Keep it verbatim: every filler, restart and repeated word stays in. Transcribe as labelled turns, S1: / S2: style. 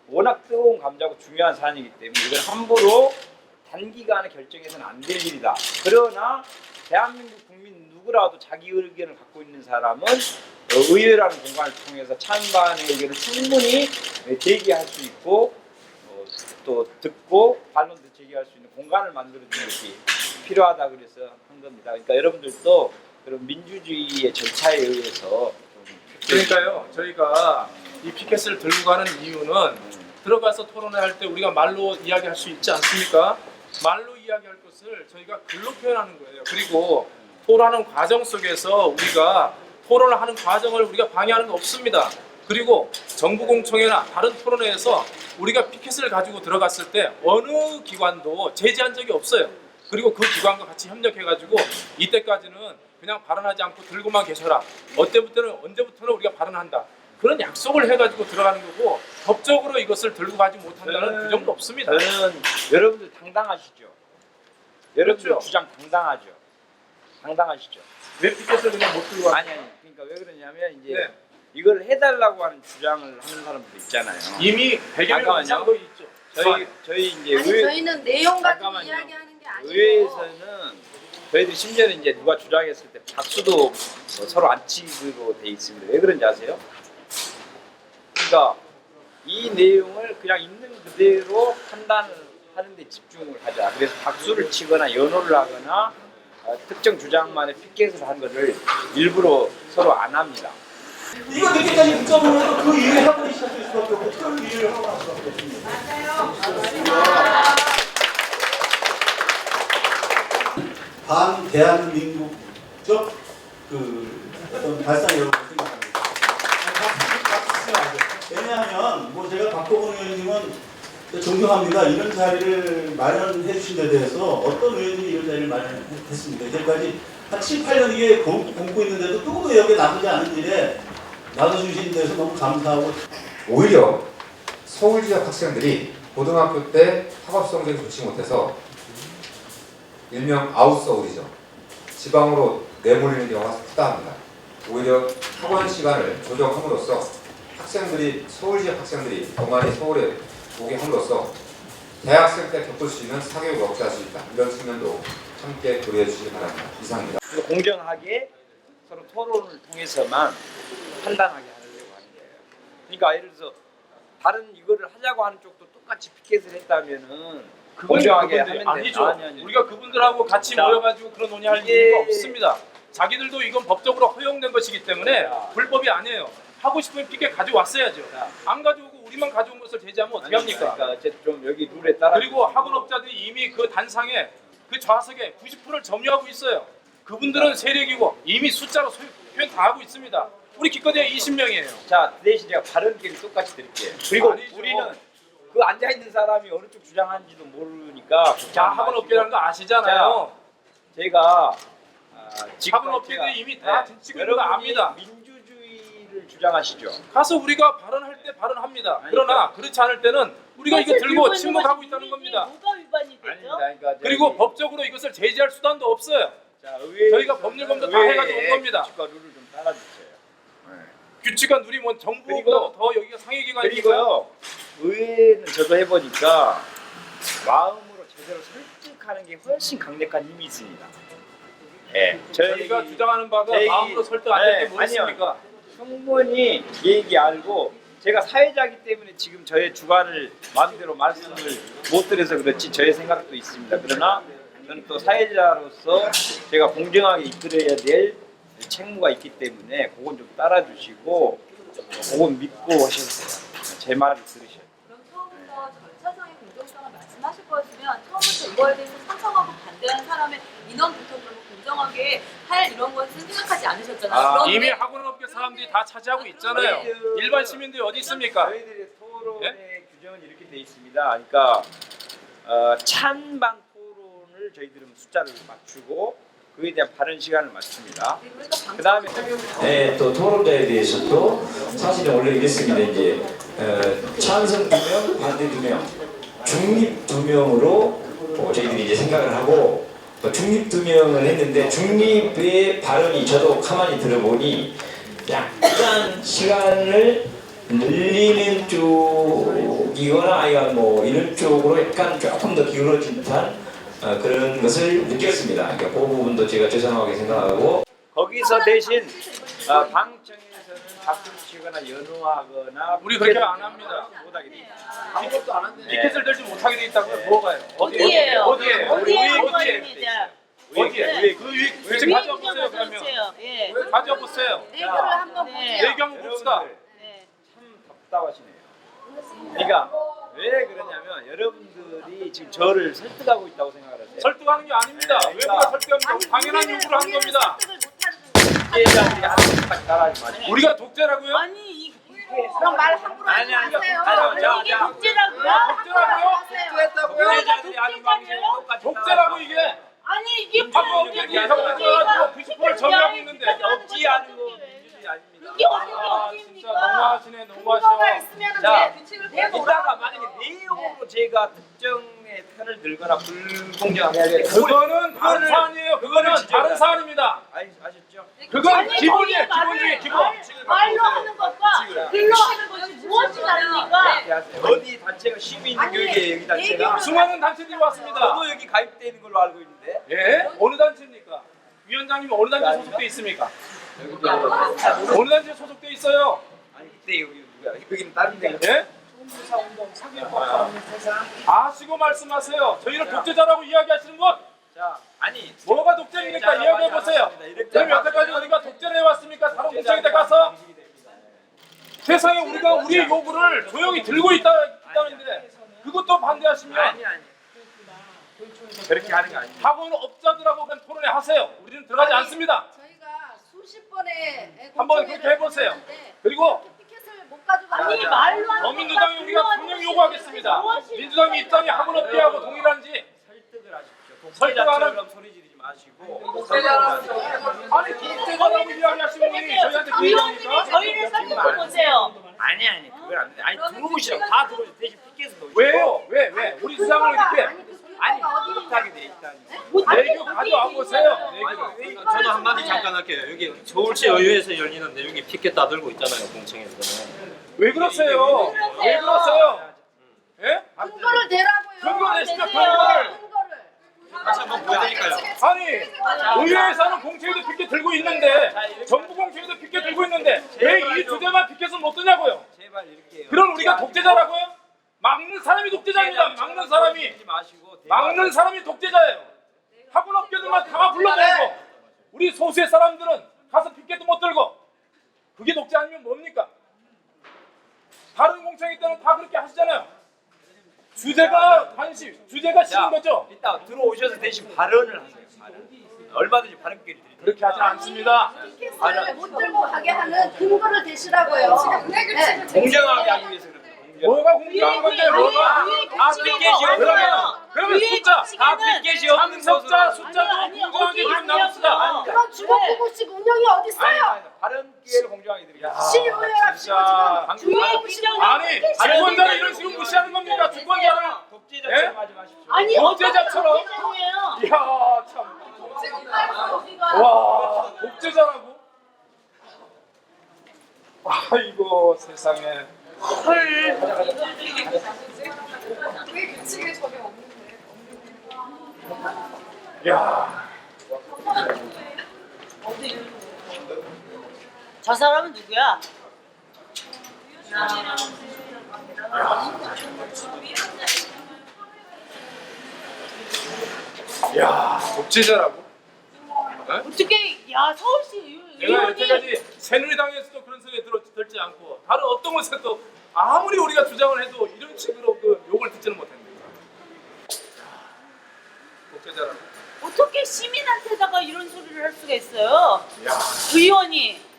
S1: 워낙 뜨거운 감자고 중요한 사안이기 때문에 이걸 함부로 단기간에 결정해서는 안 될 일이다. 그러나 대한민국 국민 누구라도 자기 의견을 갖고 있는 사람은 의회라는 공간을 통해서 찬반의 의견을 충분히 제기할 수 있고 또 듣고 반론도 제기할 수 있는 공간을 만들어주는 것이 필요하다 그래서 한 겁니다. 그러니까 여러분들도 그런 민주주의의 절차에 의해서
S2: 그러니까요 저희가 이 피켓을 들고 가는 이유는 들어가서 토론을 할 때 우리가 말로 이야기할 수 있지 않습니까? 말로 이야기할 것을 저희가 글로 표현하는 거예요. 그리고 토론하는 과정 속에서 우리가 토론을 하는 과정을 우리가 방해하는 거 없습니다. 그리고 정부 공청회나 다른 토론회에서 우리가 피켓을 가지고 들어갔을 때 어느 기관도 제지한 적이 없어요. 그리고 그 기관과 같이 협력해가지고 이때까지는 그냥 발언하지 않고 들고만 계셔라. 어때부터는 언제부터는 우리가 발언한다. 그런 약속을 해가지고 들어가는 거고 법적으로 이것을 들고 가지 못한다는
S1: 저는,
S2: 그 정도 없습니다.
S1: 저는 여러분들 당당하시죠. 여러분들
S2: 그렇죠.
S1: 주장 당당하죠. 당당하시죠.
S2: 왜 피켓을 그냥 못 들고 가?
S1: 아니 아니. 그러니까 왜 그러냐면 이제
S2: 네.
S1: 이걸 해달라고 하는 주장을 하는 사람들 있잖아요.
S2: 이미 백여 명 이상 거 있죠.
S1: 저희 저희 이제
S3: 아니
S1: 의회,
S3: 저희는 내용 가지고
S1: 잠깐만요.
S3: 이야기하는 게 아니고
S1: 의회에서는 저희들 심지어는 이제 누가 주장했을 때 박수도 뭐 서로 안 치기로 돼 있습니다. 왜 그런지 아세요? 그러니까 이 내용을 그냥 있는 그대로 판단을 하는 데 집중을 하자. 그래서 박수를 치거나 연호를 하거나 어, 특정 주장만의 피켓을 한 것을 일부러 서로 안 합니다.
S4: 이거 늦게까지 붙잡으면 그 일을 하고 시작될 수밖에 없고 그 일을 하고 할 수밖에 없습니다. 반 대한민국적 그 어떤 발상이라고 생각합니다. 왜냐하면 뭐 제가 박보건 의원님은 존경합니다. 이런 자리를 마련해 주신 데 대해서 어떤 의원님이 이런 자리를 마련했습니까? 이제까지 한 칠, 팔 년 이게 굶고 있는데도 누구도 여기에 나서지 않은 일에 나눠주신 데서 너무 감사하고
S5: 오히려 서울 지역 학생들이 고등학교 때 학업 성적이 좋지 못해서 일명 아웃서울이죠. 지방으로 내몰리는 경우가 크다 합니다. 오히려 학원 시간을 조정함으로써 학생들이 서울 지역 학생들이 더 많이 서울에 오게 함으로써 대학생 때 겪을 수 있는 사교육을 억제할 수 있다. 이런 측면도 함께 고려해 주시기 바랍니다. 이상입니다.
S1: 공정하게 서로 토론을 통해서만 판단하게 하려고 하는 거예요. 그러니까 예를 들어서 다른 이거를 하자고 하는 쪽도 똑같이 피켓을 했다면은 공정하게 하면 돼.
S2: 아니죠.
S1: 아니, 아니.
S2: 우리가 그분들하고 같이
S1: 자,
S2: 모여가지고 그런 논의할
S1: 이게-
S2: 이유가 없습니다. 자기들도 이건 법적으로 허용된 것이기 때문에
S1: 자.
S2: 불법이 아니에요. 하고 싶으면 피켓 가져왔어야죠.
S1: 자.
S2: 안 가져오고 우리만 가져온 것을 제지하면 어떻게 합니까?
S1: 그러니까 어쨌든 좀 여기 룰에 따라
S2: 그리고 학원업자들이 이미 그 단상에 그 좌석에 구십 퍼센트를 점유하고 있어요. 그분들은 세력이고 이미 숫자로 소유, 표현 다 하고 있습니다. 우리 기껏해야 이십 명이에요.
S1: 자 대신 제가 발언기를 똑같이 드릴게요. 그리고
S2: 아니죠.
S1: 우리는 그 앉아 있는 사람이 어느 쪽 주장하는지도 모르니까
S2: 자, 학원업계라는 거 아시잖아요.
S1: 제가 아, 지금까지
S2: 학원업계들이
S1: 제가-
S2: 이미 다
S1: 네,
S2: 지금 이거 압니다.
S1: 민주주의를 주장하시죠.
S2: 가서 우리가 발언할 때 발언합니다.
S1: 아니,
S2: 그러나 그렇지 않을 때는 우리가 이거 들고 침묵하고 있다는 겁니다.
S3: 뭐가 위반이 되죠?
S1: 아닙니다. 그러니까
S2: 그리고
S1: 저기-
S2: 법적으로 이것을 제지할 수단도 없어요.
S1: 자, 의회에서는
S2: 저희가 법률 검토 다 해가지고 온 겁니다.
S1: 규칙과 룰을 좀 따라주세요.
S2: 규칙과 누리 뭐 정부보다도
S1: 그리고-
S2: 더 여기가 상위기관이니까요.
S1: 그리고요 의회는 저도 해보니까 마음으로 제대로 설득하는 게 훨씬 강력한 힘이 있습니다. 예,
S2: 저희가 주장하는 바가
S1: 저희-
S2: 마음으로 설득 안 될 때
S1: 네,
S2: 뭐겠습니까?
S1: 충분히 얘기 알고 제가 사회자이기 때문에 지금 저의 주관을 마음대로 말씀을 못 드려서 그렇지 저의 생각도 있습니다. 그러나 저는 또 사회자로서 제가 공정하게 이끌어야 될 책무가 있기 때문에 그건 좀 따라주시고 그건 믿고 하셨어요. 제 말을 들으셔요.
S6: 그럼 처음부터 절차상의 공정성을 말씀하실 거였으면 처음부터 이거에 대해서 찬성하고 반대하는 사람의 인원부터 그러면 공정하게 할 이런 것은 생각하지 않으셨잖아요.
S1: 아,
S6: 그런데
S2: 이미 학원업계 사람들이 다 차지하고 있잖아요.
S1: 저희들-
S2: 일반 시민들이 어디 있습니까?
S1: 저희들의 토론의
S2: 예?
S1: 규정은 이렇게 돼 있습니다. 그러니까 어, 찬반 토론을 저희들은 숫자를 맞추고 그에 대한 발언 시간을 맞춥니다.
S6: 그러니까
S1: 그 다음에
S7: 네, 또 토론자에 대해서도 사실은 원래 이랬습니다. 이제 어, 찬성 두 명, 반대 두 명, 중립 두 명으로 어, 저희들이 이제 생각을 하고 또 중립 두 명을 했는데 중립의 발언이 저도 가만히 들어보니 약간 시간을 늘리는 쪽 웃기거나 아니면 뭐 이런 쪽으로 약간 조금 더 기울어진 듯한 어, 그런 것을 느꼈습니다. 그러니까 그 부분도 제가 죄송하게 생각하고
S1: 거기서 대신 어, 방청에서는 박수 치거나 연호하거나
S2: 우리 그렇게 안 합니다.
S1: 못하게 돼.
S2: 아무것도 안 하는데
S1: 네.
S2: 티켓을 들지 못하게 돼 있다고요? 뭐가요?
S3: 어디예요?
S2: 어디에?
S3: 어디에
S2: 어디에?
S3: 그거입니다.
S2: 어디에?
S1: 위에
S2: 그 위, 위,
S3: 위에
S2: 가져와
S3: 좀
S2: 보세요 그러면.
S3: 가져오세요. 예.
S2: 가져와 보세요.
S6: 내교를 한번
S3: 네.
S6: 보세요.
S2: 얘기 한번 봅시다.
S1: 여러분들
S3: 네.
S1: 참 답답하시네요. 그러니까 왜 그러냐면 여러분들이 지금 저를 설득하고 있다고 생각을 하세요.
S2: 설득하는 게 아닙니다.
S1: 네,
S2: 왜 우리가 설득합니까? 당연한 요구를 하는 겁니다.
S1: 피해자들이 하는 것까지 따라하지 마시고.
S2: 우리가 독재라고요?
S3: 아니 이
S6: 그럼 말 함부로 하지
S1: 아니, 아니,
S6: 마세요.
S1: 아니, 자,
S3: 이게
S1: 자.
S3: 독재라고요?
S2: 독재라고요?
S1: 피해자들이 하는 방식으로 똑같이
S2: 독재라고 이게
S3: 아니 이게
S2: 하고
S3: 무슨
S2: 없는 게 형들어가지고 구십 퍼센트 정리하고 있는데
S1: 없지 않은 거 민주주의 아닙니다.
S3: 이게 어떻게
S2: 아 진짜
S3: 없습니까?
S2: 너무하시네
S6: 근거가
S2: 너무하셔.
S6: 있으면
S1: 자,
S6: 돼. 규칙을 배워.
S1: 이따가 만약에 내용으로 제가 특정의 편을 들거나 불공정하게 하게 되면
S2: 그거는 다른
S1: 그거를-
S2: 사안이에요. 그거는
S1: 그거를
S2: 다른
S1: 지적을-
S2: 사안입니다.
S1: 아시, 아셨죠?
S2: 그건
S3: 아니,
S2: 기본이에요.
S3: 저희
S2: 기본 중에
S3: 말을
S2: 기본.
S3: 말- 말로 하는 것과 글로 하는 것이 무엇이 다릅니까?
S1: 이렇게 하세요. 어디 단체가 시민교육의 여기 단체가
S2: 수많은 단체들이 왔습니다.
S1: 저도 여기 가입돼 있는 걸로 알고 있는데
S2: 예? 어느 단체입니까? 위원장님 어느 단체 소속돼 있습니까? 어느 단체 소속돼 있어요?
S1: 아니 그때 여기 누가 여기는 다른 데가
S2: 예? 아시고 말씀하세요. 저희를 독재자라고 이야기하시는 것
S1: 자 아니
S2: 뭐가 독재입니까? 이야기해 보세요. 그럼 여태까지 우리가 독재를 해왔습니까? 다른 공청회에 가서 세상에 우리가 우리의 요구를 조용히 들고 있다, 있다는데 그것도 반대하시면
S1: 아니 아니 그렇게 하는 거 아닙니다.
S2: 학원 업자들하고 그냥 토론회 하세요. 우리는 들어가지 않습니다.
S6: 저희가 수십 번에
S2: 한번 그렇게 해보세요. 그리고
S6: 티켓을 못 가지고
S3: 아니
S1: 자,
S3: 말로 하는
S2: 더민주당이
S3: 것과
S2: 우리가
S3: 글로 하는
S2: 분명
S3: 것이
S2: 요구하겠습니다.
S3: 무엇이
S2: 민주당의 입장이 학원 업계하고 동일한지
S1: 설득을 하십시오.
S2: 설득하는-
S1: 독재자처럼 소리 지르지 마시고
S2: 아니 독재자라고 이야기하시는 분이 저희한테 그
S3: 의원님이
S2: 얘기입니까?
S3: 저희를 설득해 보세요.
S1: 아니 아니 그건 안 돼. 아니 들어오시라고 다 들어오시 대신 피켓을 넣으시고
S2: 왜요? 왜? 왜? 우리 수상을 이렇게
S1: 아니 못하게 돼 있다니.
S2: 내교 가져와 보세요. 내교를.
S1: 아니 왜
S8: 저도 한마디 잠깐 할게요. 여기 서울시 의회에서 열리는데 여기 피켓 다 들고 있잖아요, 공청회에서는.
S2: 왜 그러세요? 왜 그러세요? 예?
S6: 근거를 대라고요.
S2: 근거 내시면
S3: 내세요.
S2: 근거를.
S6: 근거를.
S8: 다시 한번 보여드릴까요?
S2: 아니 의회에서는 공채에도 피켓 들고 있는데 정부 공채에도 피켓 들고 있는데 왜 이 주제만 피켓을 못 드냐고요?
S1: 제발 이렇게
S2: 그럼 우리가 독재자라고요? 막는 사람이 독재자입니다. 막는 사람이
S1: 하지 마시고
S2: 막는 사람이 독재자예요. 학원 업계들만 다 불러내고 우리 소수의 사람들은 가서 피켓도 못 들고 그게 독재 아니면 뭡니까? 다른 공청회 때는 다 그렇게 하시잖아요. 주제가 관심, 주제가 싫은 거죠?
S1: 이따 들어오셔서 대신 발언을 하세요. 발언. 얼마든지 발언 기회를 드립니다.
S2: 그렇게 하지 않습니다.
S6: 티켓을 못 들고 가게 하는 근거를 대시라고요. 네.
S1: 공정하게 하기 위해서 그럽니다. 공정.
S2: 뭐가 공정한 건데 뭐가?
S1: 아, 피켓이요?
S2: 그러면 그러면 숫자
S1: 다 피켓이 없는
S2: 참석자
S1: 것으로.
S2: 숫자도
S3: 아니, 아니,
S2: 공정하게
S3: 어디
S2: 좀 나눕시다.
S6: 그런 주거구구식 운영이 어디
S1: 아니,
S6: 있어요?
S1: 아니, 발언 기회를 공정하게 드립니다.
S6: 시의회랍시고
S2: 진짜.
S6: 지금 주거구식
S2: 아니 주권자를 이런 식으로 무시하는 겁니까? 주권자를?
S1: 독재자처럼 하지 마십시오.
S3: 아니
S2: 독재자처럼?
S3: 독재자예요.
S2: 이야 참. 와 독재자라고? 아이고 세상에. 야.
S3: 저 사람은 누구야?
S2: 야 독재자라고?
S3: 어떻게 야 서울시 의원-
S2: 내가
S3: 의원이
S2: 여태까지 새누리당에서도 그런 소리 들, 들지 않고 다른 어떤 곳에서도 아무리 우리가 주장을 해도 이런 식으로 그 욕을 듣지는 못합니다. 독재자라고?
S3: 어떻게 시민한테다가 이런 소리를 할 수가 있어요?
S2: 야
S3: 의원이